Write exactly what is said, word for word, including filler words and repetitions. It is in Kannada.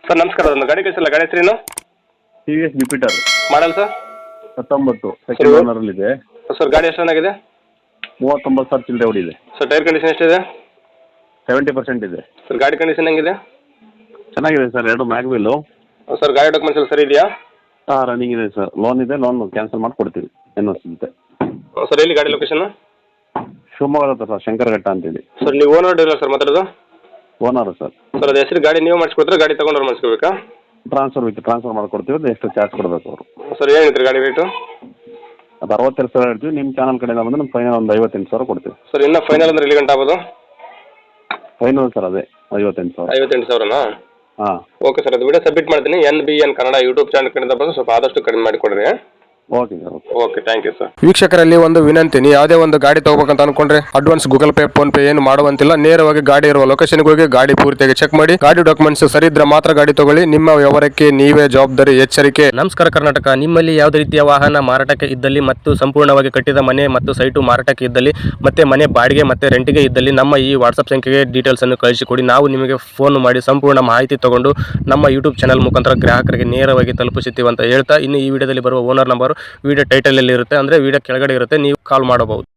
ಸರ್ ನಮಸ್ಕಾರ, ಒಂದು ಗಾಡಿ ಕಳಿಸಿಲ್ಲ, ಗಾಡಿ ಹೆಸರೇನು? T V S Jupiter model sir? ಹತ್ತೊಂಬತ್ತು ಸೆಕೆಂಡ್ ಓನರಲ್ಲಿದೆ. ಸರ್ ಗಾಡಿ ಎಷ್ಟು ಚೆನ್ನಾಗಿದೆ? ಮೂವತ್ತೊಂಬತ್ತು ಸಾವಿರ ಚಿಲ್ಲರೆ ಹೊಡಿದೆ. ಸರ್ ಟೈರ್ ಕಂಡೀಷನ್ ಎಷ್ಟಿದೆ? ಸೆವೆಂಟಿ ಪರ್ಸೆಂಟ್ ಇದೆ. ಸರ್ ಗಾಡಿ ಕಂಡೀಷನ್ ಹೆಂಗಿದೆ? ಚೆನ್ನಾಗಿದೆ ಸರ್. ಎರಡು ಮ್ಯಾಗ್ವಿಲ್ಲು. ಸರ್ ಗಾಡಿ ಡಾಕ್ಯುಮೆಂಟ್ಸ್ ಎಲ್ಲ ಸರಿ ಇದೆಯಾ? ಹಾಂ, ರನ್ನಿಂಗ್ ಇದೆ ಸರ್. ಲೋನ್ ಇದೆ, ಲೋನ್ ಕ್ಯಾನ್ಸಲ್ ಮಾಡಿಕೊಡ್ತೀವಿ ಎನ್ ಓ ಸಿ ಜೊತೆ. ಸರ್ ಎಲ್ಲಿ ಗಾಡಿ ಲೊಕೇಶನ್? ಶಿವಮೊಗ್ಗದ ಹತ್ರ ಸರ್, ಶಂಕರಘಟ್ಟ ಅಂತೇಳಿ. ಸರ್ ನೀವು ಓನರ್ ಡೀಲರ್ ಸರ್ ಮಾತಾಡೋದು? Owner sir. ಸರ್ ಅದು ಹೆಸರು ಗಾಡಿ ನೀವು ಮಾಡಿಸ್ಕೊಡ್ತಾರೆ, ಗಾಡಿ ತೊಗೊಂಡ್ರೆ ಮಾಡಿಸ್ಕೋಬೇಕಾ? ಟ್ರಾನ್ಸ್ಫರ್ ವಿತ್ ಟ್ರಾನ್ಸ್ಫರ್ ಮಾಡಿಕೊಡ್ತೀವಿ. ಅದು ಎಷ್ಟು ಚಾರ್ಜ್ ಕೊಡಬೇಕು ಅವರು. ಸರ್ ಏನಿತ್ತು ಗಾಡಿ ರೇಟು? ಅದು ಅರವತ್ತೆರಡು ಸಾವಿರ ಹೇಳ್ತೀವಿ. ನಿಮ್ಮ ಚಾನಲ್ ಕಡೆಯಿಂದ ಬಂದರೆ ನಮ್ಮ ಫೈನಲ್ ಒಂದು ಐವತ್ತೆಂಟು ಸಾವಿರ ಕೊಡ್ತೀವಿ. ಸರ್ ಇನ್ನೂ ಫೈನಲ್ ಅಂದ್ರೆ ಎಲ್ಲಿ ಗಂಟೆ ಆಗ್ಬೋದು? ಫೈನಲ್ ಸರ್ ಅದೇ ಐವತ್ತೆಂಟು ಸಾವಿರ. ಐವತ್ತೆಂಟು ಸಾವಿರನಾ? ಹಾಂ, ಓಕೆ ಸರ್, ಅದು ವಿಡಿಯೋ ಸಬ್ಮಿಟ್ ಮಾಡ್ತೀನಿ. N B N Kannada YouTube channel ಕಡೆಯಿಂದ ಬಂದು ಸ್ವಲ್ಪ ಆದಷ್ಟು ಕಡಿಮೆ ಮಾಡಿಕೊಡ್ರಿ. Okay sir. Okay okay, thank you sir. ವೀಕ್ಷಕರಲ್ಲಿ ಒಂದು ವಿನಂತಿ, ನೀವು ಯಾವುದೇ ಒಂದು ಗಾಡಿ ತಗೋಬೇಕಂತ ಅನ್ಕೊಂಡ್ರೆ advance Google Pay PhonePe ಏನು ಮಾಡುವಂತಿಲ್ಲ. ನೇರವಾಗಿ ಗಾಡಿ ಇರುವ ಲೊಕೇಶನ್ಗೆ ಹೋಗಿ ಗಾಡಿ ಪೂರ್ತಿಯಾಗಿ ಚೆಕ್ ಮಾಡಿ, ಗಾಡಿ ಡಾಕ್ಯುಮೆಂಟ್ಸ್ ಸರಿ ಇದ್ರೆ ಮಾತ್ರ ಗಾಡಿ ತಗೊಳ್ಳಿ. ನಿಮ್ಮ ವ್ಯವಹಾರಕ್ಕೆ ನೀವೇ ಜವಾಬ್ದಾರಿ. ಎಚ್ಚರಿಕೆ. ನಮಸ್ಕಾರ ಕರ್ನಾಟಕ. ನಿಮ್ಮಲ್ಲಿ ಯಾವುದೇ ರೀತಿಯ ವಾಹನ ಮಾರಾಟಕ್ಕೆ ಇದ್ದಲ್ಲಿ ಮತ್ತು ಸಂಪೂರ್ಣವಾಗಿ ಕಟ್ಟಿದ ಮನೆ ಮತ್ತು ಸೈಟು ಮಾರಾಟಕ್ಕೆ ಇದ್ದಲ್ಲಿ ಮತ್ತೆ ಮನೆ ಬಾಡಿಗೆ ಮತ್ತೆ ರೆಂಟಿಗೆ ಇದ್ದಲ್ಲಿ ನಮ್ಮ ಈ ವಾಟ್ಸಪ್ ಸಂಖ್ಯೆಗೆ ಡೀಟೇಲ್ಸ್ ಅನ್ನು ಕಳಿಸಿಕೊಡಿ. ನಾವು ನಿಮಗೆ ಫೋನ್ ಮಾಡಿ ಸಂಪೂರ್ಣ ಮಾಹಿತಿ ತಗೊಂಡು ನಮ್ಮ ಯೂಟ್ಯೂಬ್ ಚಾನಲ್ ಮುಖಾಂತರ ಗ್ರಾಹಕರಿಗೆ ನೇರವಾಗಿ ತಲುಪಿಸುತ್ತೀವಿ ಅಂತ ಹೇಳ್ತಾ, ಇನ್ನು ಈ ವಿಡಿಯೋದಲ್ಲಿ ಬರುವ ಓನರ್ ನಂಬರ್ ವಿಡಿಯೋ ಟೈಟಲ್ ಅಲ್ಲಿ ಇರುತ್ತೆ, ಅಂದ್ರೆ ವಿಡಿಯೋ ಕೆಳಗಡೆ ಇರುತ್ತೆ, ನೀವು ಕಾಲ್ ಮಾಡಬಹುದು.